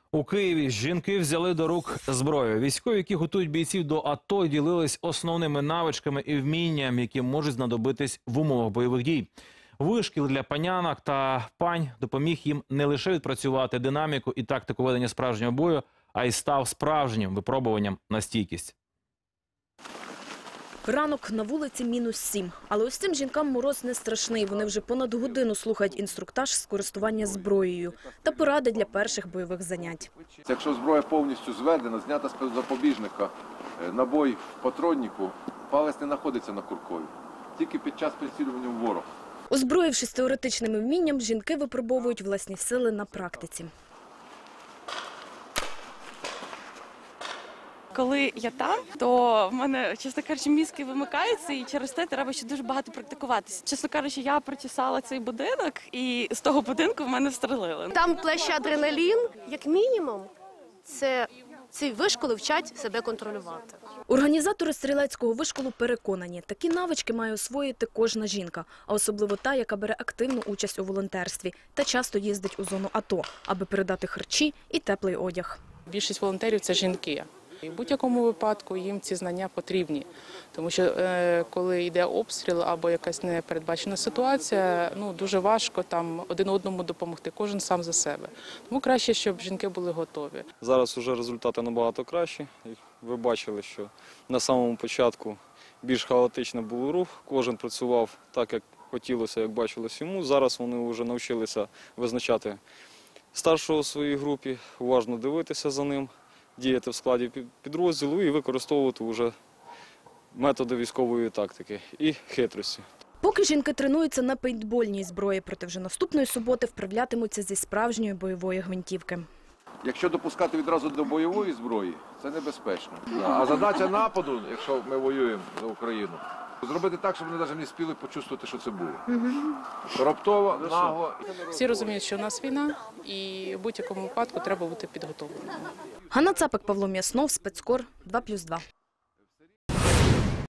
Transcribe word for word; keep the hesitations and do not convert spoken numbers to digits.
У Києві жінки взяли до рук зброю. Військові, які готують бійців до АТО, ділились основними навичками і вмінням, які можуть знадобитись в умовах бойових дій. Вишкіл для панянок та пань допоміг їм не лише відпрацювати динаміку і тактику ведення справжнього бою, а й став справжнім випробуванням на стійкість. Ранок, на вулиці мінус сім. Але ось цим жінкам мороз не страшний. Вони вже понад годину слухають інструктаж з користування зброєю та поради для перших бойових занять. Якщо зброя повністю зведена, знята з запобіжника, набой в патроннику, палець не знаходиться на куркові. Тільки під час прицілювання в ворог. Озброївшись теоретичним вмінням, жінки випробовують власні сили на практиці. Коли я там, то в мене, чесно кажучи, мізки вимикаються, і через те треба ще дуже багато практикуватися. Чесно кажучи, я прочесала цей будинок, і з того будинку в мене стрелили. Там плеще адреналін, як мінімум, це ці вишколи вчать себе контролювати. Організатори стрілецького вишколу переконані, такі навички має освоїти кожна жінка, а особливо та, яка бере активну участь у волонтерстві та часто їздить у зону АТО, аби передати харчі і теплий одяг. Більшість волонтерів – це жінки. І в будь-якому випадку їм ці знання потрібні, тому що е, коли йде обстріл або якась непередбачена ситуація, ну дуже важко там один одному допомогти, кожен сам за себе. Тому краще, щоб жінки були готові. Зараз вже результати набагато кращі. Ви бачили, що на самому початку більш хаотично був рух, кожен працював так, як хотілося, як бачилось йому. Зараз вони вже навчилися визначати старшого у своїй групі, уважно дивитися за ним, діяти в складі підрозділу і використовувати вже методи військової тактики і хитрості. Поки жінки тренуються на пейнтбольній зброї, проте вже наступної суботи вправлятимуться зі справжньої бойової гвинтівки. Якщо допускати відразу до бойової зброї, це небезпечно. А задача нападу, якщо ми воюємо за Україну, зробити так, щоб вони навіть не спіли почувствувати, що це було. Раптово, нагло. Всі розуміють, що у нас війна, і в будь-якому випадку треба бути підготовленим. Ганна Цапик, Павло М'яснов, Спецкор, два плюс два.